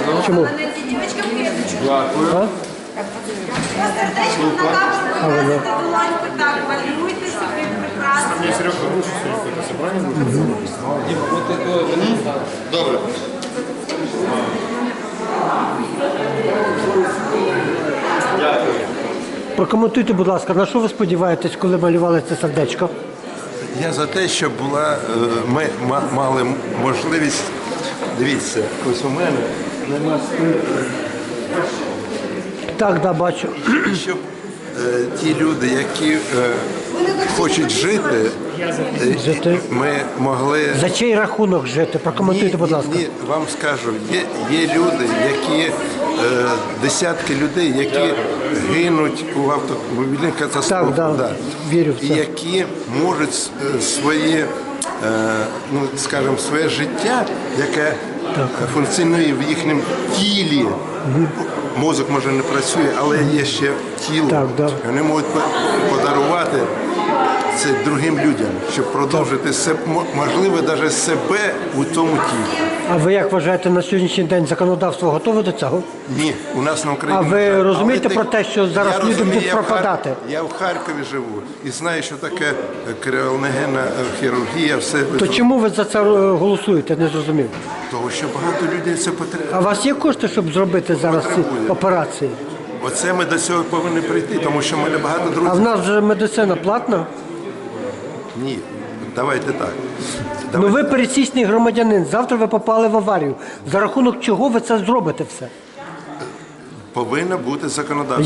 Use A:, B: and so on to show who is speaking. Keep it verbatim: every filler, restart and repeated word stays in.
A: Чому?
B: Мене ці дівчатки клеточку.
C: Дякую.
A: А?
B: По сердечкам на камеру виносите долоньку, так, малюйте собі прекрасно.
C: Добре. Дякую.
A: Прокоментуйте, будь ласка, на що ви сподіваєтесь, коли малювали це сердечко?
D: Я за те, щоб була, е, ми ма- мали можливість, дивіться, ось у мене нема
A: Так, да, бачу.
D: щоб е, ті люди, які е, хочуть жити, е,
A: Жити.
D: ми могли.
A: За чий рахунок жити? Прокоментуйте, будь ласка.
D: Ні, вам скажу, є, є люди, які е, десятки людей, які гинуть у автомобільних катастрофах,
A: Так, да, вірю в це.
D: і які можуть е, своє, е, ну скажімо, своє життя, яке е, функціонує в їхньому тілі. Мозок може не працює, але є ще тіло.
A: Так, да.
D: Вони можуть по- подарувати це другим людям, щоб продовжити себе, можливо, навіть себе у тому тілі.
A: А ви як вважаєте, на сьогоднішній день законодавство готове до цього?
D: Ні, у нас на Україні.
A: А ви
D: не так.
A: розумієте
D: Але
A: про те, що зараз
D: я
A: люди
D: розумію,
A: будуть
D: я в Хар-
A: пропадати?
D: Я в Харкові живу і знаю, що таке креоногенна хірургія, все.
A: То чому ви за це е, голосуєте? Не зрозумів.
D: Того, що багато людей це
A: А у
D: потрібно.
A: вас є кошти, щоб зробити зараз ці
D: Потребує.
A: операції?
D: Оце ми до цього повинні прийти, тому що в мене багато
A: А в
D: друзів.
A: нас вже медицина платна?
D: Ні, давайте так.
A: Ну
D: Давайте.
A: ви пересічний громадянин, завтра ви попали в аварію. За рахунок чого ви це зробите все?
D: Повинно бути законодавство.